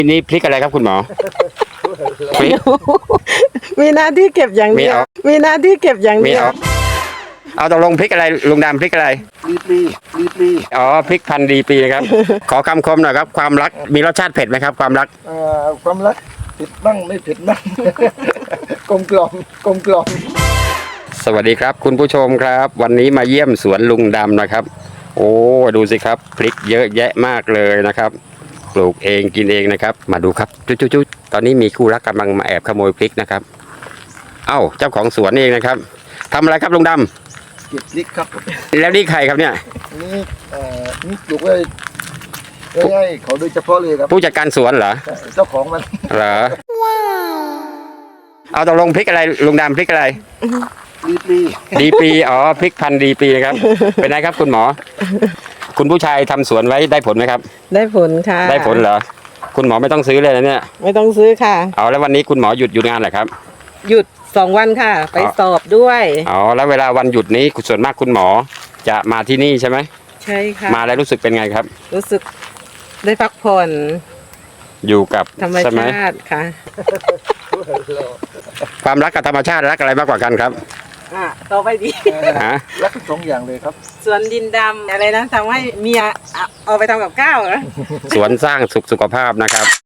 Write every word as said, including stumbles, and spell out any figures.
ทีนี้พริกอะไรครับคุณหมอพริกมีหน้าที่เก็บอย่างเดียวไม่เอามีหน้าที่เก็บอย่างมีเดียวเอาเอาตกลงพริกอะไรลุงดำพริกอะไรรีบรีรีบรีอ๋อพริกพันธุ์ดีปีครับ ขอคำคมหน่อยครับความรักมีรสชาติเผ็ดไหมครับความรักเอ่อความรักเผ็ดบ้างไม่เผ็ดบ้าง กลมกล่อมกลมกล่อมสวัสดีครับคุณผู้ชมครับ วันนี้มาเยี่ยมสวนลุงดำนะครับ โอ้ดูสิครับพริกเยอะแยะมากเลยนะครับ ปลูกเองกินเองนะครับ มาดูครับจุ๊ดๆตอนนี้มีคู่รักกำลังมาแอบขโมยพริกนะครับ เอ้าเจ้าของสวนเองนะครับทำอะไรครับลุงดำเก็บพริกครับแล้วนี่ใครครับเนี่ยนี่เอ่อนี่ปลูกไว้ไว้ให้เขาโดยเฉพาะเลยครับผู้จัดการสวนเหรอเจ้าของมันเหรอเอาตกลงพริกอะไรลุงดำพริกอะไรรีบรีดีปีอ๋อพริกพันธุ์ดีปีครับ เป็นไงครับคุณหมอ คุณผู้ชายทำสวนไว้ได้ผลไหมครับได้ผลค่ะได้ผลเหรอคุณหมอไม่ต้องซื้อเลยนะเนี่ยไม่ต้องซื้อค่ะเอาแล้ววันนี้คุณหมอหยุดหยุดงานเหรอครับหยุดสองวันค่ะ ไปอ๋อสอบด้วยอ๋อแล้วเวลาวันหยุดนี้ส่วนมากคุณหมอจะมาที่นี่ใช่ไหมใช่ค่ะมาแล้วรู้สึกเป็นไงครับรู้สึกได้พักผ่อนอยู่กับธรรมใช่ไหมชาติค่ะความรักกับธรรมชาติรักอะไรมากกว่ากันครับอ่ะต่อไปดีฮะรักทั้งสองอย่างเลยครับสวนดินดำอะไรนะทำให้เมียอ่ะเอาไปทำกับข้าวเหรอสวนสร้างสุขสุขภาพนะครับ